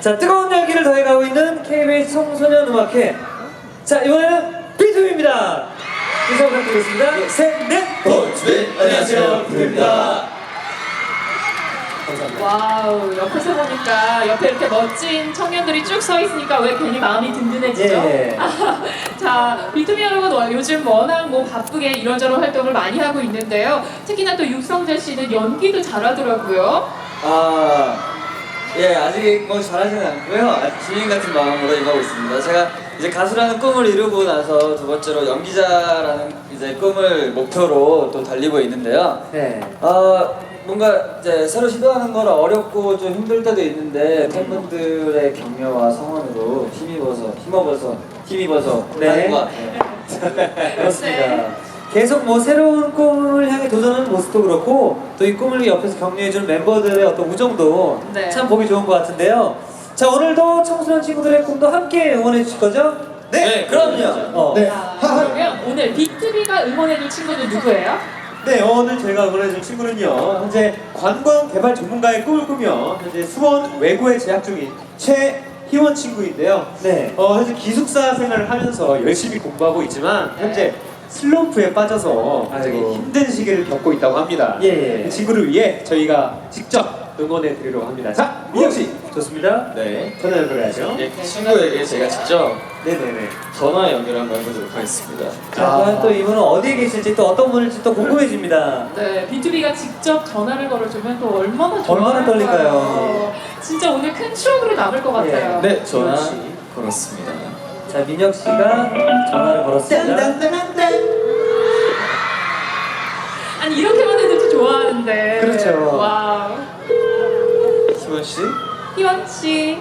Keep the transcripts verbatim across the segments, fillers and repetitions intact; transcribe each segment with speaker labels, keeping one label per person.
Speaker 1: 자, 뜨거운 열기를 더해가고 있는 케이비에스 청소년 음악회. 자, 이번에는 비투비입니다. 인사 부탁드리겠습니다. 예, 셋, 넷!
Speaker 2: 비투비! 안녕하세요, 비투비입니다.
Speaker 1: 감사합니다.
Speaker 3: 와우, 옆에서 보니까 옆에 이렇게 멋진 청년들이 쭉 서 있으니까 왜 괜히 마음이 든든해지죠?
Speaker 1: 예.
Speaker 3: 자, 비투비 여러분 요즘 워낙 뭐 바쁘게 이런저런 활동을 많이 하고 있는데요. 특히나 또 육성재 씨는 연기도 잘하더라고요.
Speaker 2: 아, 예, 아직 뭐 잘하지는 않고요. 아직 주인 같은 마음으로 임하고 있습니다. 제가 이제 가수라는 꿈을 이루고 나서 두 번째로 연기자라는 이제 꿈을 목표로 또 달리고 있는데요.
Speaker 1: 네.
Speaker 2: 어, 뭔가 이제 새로 시도하는 건 어렵고 좀 힘들 때도 있는데 팬분들의 격려와 성원으로 힘입어서 힘입어서 힘입어서
Speaker 1: 네.
Speaker 2: 하는 것 같아요.
Speaker 1: 그렇습니다.
Speaker 3: 네.
Speaker 1: 계속 뭐 새로운 꿈을 향해 도전하는 모습도 그렇고 또 이 꿈을 옆에서 격려해주는 멤버들의 어떤 우정도
Speaker 3: 네.
Speaker 1: 참 보기 좋은 것 같은데요. 자, 오늘도 청소년 친구들의 꿈도 함께 응원해 주실 거죠?
Speaker 2: 네, 그럼요.
Speaker 1: 어.
Speaker 4: 네.
Speaker 3: 자, 그러면 오늘 비투비가 응원해줄 친구는 누구예요?
Speaker 4: 네, 오늘 저희가 응원해줄 친구는요, 현재 관광 개발 전문가의 꿈을 꾸며 현재 수원 외고에 재학 중인 최희원 친구인데요.
Speaker 1: 네.
Speaker 4: 어, 현재 기숙사 생활을 하면서 열심히 공부하고 있지만 현재 슬럼프에 빠져서 굉장히
Speaker 1: 아이고.
Speaker 4: 힘든 시기를 겪고 있다고 합니다.
Speaker 1: 예, 예.
Speaker 4: 그 친구를 위해 저희가 직접 응원해 드리려고 합니다. 자, 민혁 씨,
Speaker 1: 좋습니다.
Speaker 2: 네.
Speaker 4: 전화 연결해야죠.
Speaker 2: 이 친구에게 제가 직접
Speaker 4: 네네네.
Speaker 2: 전화 연결 한번 해보도록 하겠습니다.
Speaker 1: 자, 과연 또 이분은 어디에 계실지 또 어떤 분일지 또 궁금해집니다.
Speaker 3: 네, 비투비가 직접 전화를 걸어주면 또 얼마나
Speaker 1: 얼마나
Speaker 3: 좋아할까요?
Speaker 1: 떨릴까요?
Speaker 3: 진짜 오늘 큰 추억으로 남을 것 같아요.
Speaker 2: 네, 전화
Speaker 1: 민혁 씨.
Speaker 2: 걸었습니다.
Speaker 1: 자, 민혁 씨가 전화를 걸었습니다.
Speaker 3: 아니 이렇게만 해도 좀 좋아하는데.
Speaker 1: 그렇죠.
Speaker 3: 와우.
Speaker 2: 희원 씨?
Speaker 3: 희원 씨.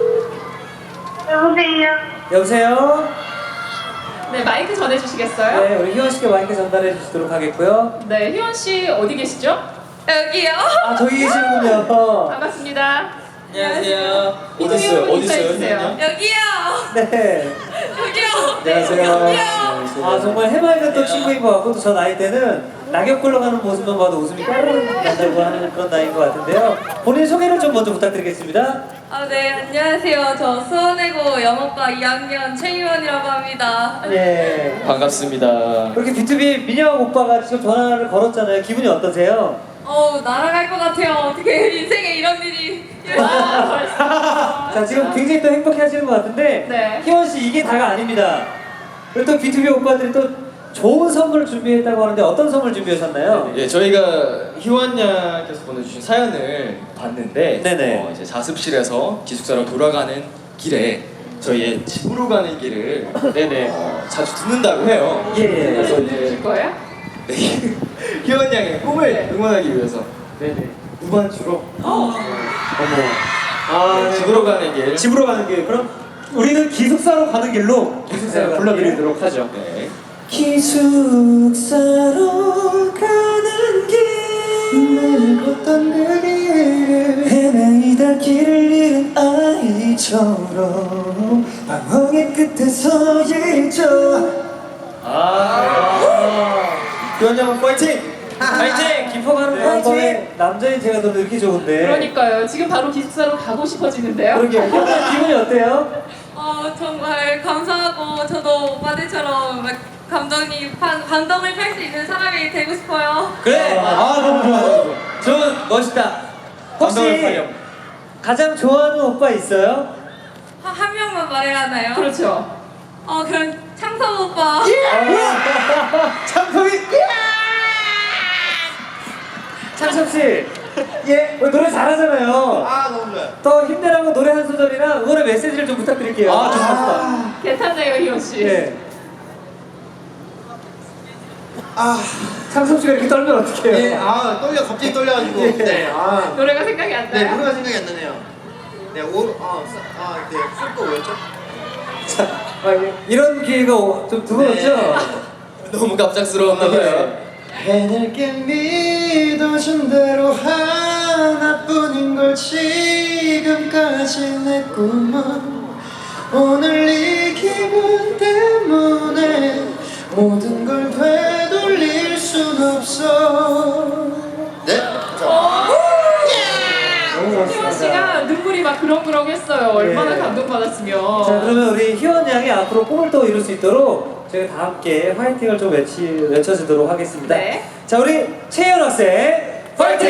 Speaker 5: 여보세요.
Speaker 1: 여보세요?
Speaker 3: 네, 마이크 전해주시겠어요?
Speaker 1: 네, 우리 희원 씨께 마이크 전달해 주시도록 하겠고요.
Speaker 3: 네, 희원 씨 어디 계시죠? 여기요.
Speaker 1: 아, 저기 계시군요.
Speaker 3: 반갑습니다.
Speaker 2: 안녕하세요.
Speaker 3: 어디 있어요? 어디 있어요? 희원이요?
Speaker 5: 여기요.
Speaker 1: 네.
Speaker 5: 여기요.
Speaker 4: 안녕하세요.
Speaker 1: 아, 정말 해맑은 또 친구인 것 같고 또 저 나이 때는 낙엽 굴러가는 모습만 봐도 웃음이 까르르 난다고 하는 그런 나이인 것 같은데요. 본인 소개를 좀 먼저 부탁드리겠습니다.
Speaker 5: 아, 네, 안녕하세요. 저 수원외고 영어과 이 학년 최희원이라고 합니다.
Speaker 1: 네.
Speaker 2: 반갑습니다.
Speaker 1: 그렇게 비투비 민혁 오빠가 지금 전화를 걸었잖아요. 기분이 어떠세요?
Speaker 5: 어우, 날아갈 것 같아요. 어떻게 인생에 이런 일이.
Speaker 3: 와, 벌써.
Speaker 1: 자, 지금 굉장히 또 행복해 하시는 것 같은데
Speaker 3: 네.
Speaker 1: 희원 씨 이게 다가 아닙니다. 그리고 또 비투비 오빠들이 또 좋은 선물을 준비했다고 하는데 어떤 선물 준비하셨나요?
Speaker 6: 예, 저희가 희원 양께서 보내주신 사연을 봤는데
Speaker 1: 네네.
Speaker 6: 어, 이제 자습실에서 기숙사로 돌아가는 길에 저희의 집으로 가는 길을
Speaker 4: 네네.
Speaker 6: 어, 자주 듣는다고 해요.
Speaker 1: 예.
Speaker 6: 그래서
Speaker 3: 줄
Speaker 6: 이제
Speaker 3: 거예요?
Speaker 6: 네, 희원 양의 꿈을 응원하기 위해서
Speaker 4: 네네.
Speaker 6: 무반주로
Speaker 1: 어머.
Speaker 4: 아,
Speaker 6: 네, 집으로 가는 길
Speaker 4: 집으로 가는 길. 그럼 우리는 기숙사로 가는 길로
Speaker 1: 기숙사로 가는
Speaker 4: 불러드리도록 하죠.
Speaker 6: 네.
Speaker 1: 기숙사로 가는 길 걷던 그 길을 헤매이다 길을 잃은 아이처럼 방황의 끝에 서 있죠.
Speaker 4: 아, 희원 양 파이팅!
Speaker 1: 파이팅! 깊어가는 파이팅! 남자인 제가 더 이렇게 좋은데.
Speaker 3: 그러니까요. 지금 바로 기숙사로 가고 싶어지는데요.
Speaker 1: 그러게요. 희원아, 기분이 어때요?
Speaker 5: 어, 정말 감사하고 저도 오빠들처럼 막 감정이 판, 감동을 팔 수 있는 사람이 되고 싶어요.
Speaker 2: 그래!
Speaker 4: 아, 너무 좋아요.
Speaker 2: 좋은, 멋있다.
Speaker 1: 혹시
Speaker 4: 감동을 팔렴.
Speaker 1: 가장 좋아하는 오빠 있어요?
Speaker 5: 한, 한 명만 말해야 하나요?
Speaker 3: 그렇죠.
Speaker 5: 어, 그럼 창섭 오빠.
Speaker 4: 참석이
Speaker 1: 창섭 씨, 예, 어, 노래 잘하잖아요.
Speaker 4: 아, 너무 좋아요.
Speaker 1: 더 힘내라고 노래 한 소절이나 응원의 메시지를 좀 부탁드릴게요.
Speaker 4: 아, 좋습니다.
Speaker 3: 괜찮네요, 희원 씨.
Speaker 1: 네.
Speaker 4: 아,
Speaker 1: 창섭 씨가 이렇게 떨면 어떡해요?
Speaker 7: 네, 아 떨려 갑자기 떨려가지고
Speaker 1: 예.
Speaker 7: 네, 아,
Speaker 3: 노래가 생각이 안
Speaker 7: 네
Speaker 3: 나요?
Speaker 7: 노래가 생각이 안 나네요. 네, 오, 아, 사- 아, 네, 술거 뭐였죠?
Speaker 1: 자, 아, 예. 이런 기회가 좀 드물었죠?
Speaker 6: 너무 갑작스러웠나 봐요.
Speaker 7: 해낼게 믿어준 대로 하나뿐인 걸 지금까지 내 꿈은 오늘 이 기분 때문에 모든 걸 되돌릴 순 없어. 네?
Speaker 1: 너무
Speaker 3: 희원 씨가 제가 눈물이 막 그렁그렁했어요. 얼마나
Speaker 1: 예.
Speaker 3: 감동받았으면.
Speaker 1: 자, 그러면 우리 희원 양이 앞으로 꿈을 또 이룰 수 있도록 저희가 다 함께 화이팅을 좀 외치, 외쳐주도록 하겠습니다.
Speaker 3: 네.
Speaker 1: 자, 우리 채연 학생 화이팅!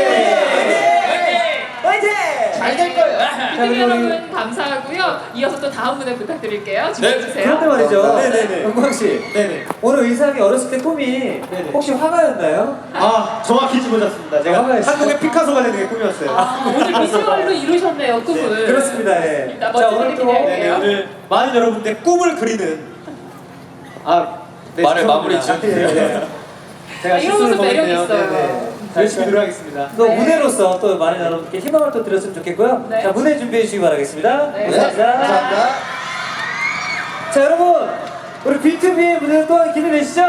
Speaker 1: 화이팅!
Speaker 6: 잘 될 거예요.
Speaker 3: 비투비
Speaker 1: 우리-
Speaker 3: 여러분 감사하고요. 이어서 또 다음 무대 부탁드릴게요.
Speaker 6: 네.
Speaker 3: 준비해주세요.
Speaker 1: 그런데 말이죠.
Speaker 4: 네네네.
Speaker 1: 영광 씨.
Speaker 4: 네네.
Speaker 1: 오늘 의상이 어렸을 때 꿈이 혹시 화가였나요?
Speaker 4: 아 정확히 짚어졌습니다. 제가
Speaker 1: 화가였어요.
Speaker 4: 한국의 피카소가 되는 게 꿈이었어요.
Speaker 3: 아, 오늘 비주얼로 이루셨네요, 꿈을.
Speaker 1: 그렇습니다. 예.
Speaker 3: 일단
Speaker 1: 자,
Speaker 3: 멋진
Speaker 1: 오늘
Speaker 3: 분위기
Speaker 1: 또
Speaker 3: 내요.
Speaker 4: 네네, 오늘 많은 여러분들 꿈을 그리는 아 네,
Speaker 6: 말을
Speaker 4: 죄송합니다.
Speaker 6: 마무리 지어주세요.
Speaker 1: 예, 예.
Speaker 4: 제가
Speaker 3: 이런
Speaker 4: 실수를
Speaker 3: 모습 매력
Speaker 4: 범했네요.
Speaker 3: 있어요.
Speaker 4: 네네. 열심히 노력하겠습니다.
Speaker 1: 또
Speaker 3: 네.
Speaker 1: 무대로서 또 많은 여러분께 희망을 또 드렸으면 좋겠고요.
Speaker 3: 네.
Speaker 1: 자, 무대 준비해 주시기 바라겠습니다.
Speaker 3: 네.
Speaker 1: 감사합니다.
Speaker 7: 감사합니다.
Speaker 1: 자, 여러분, 우리 비투비의 무대 또한 기대되시죠?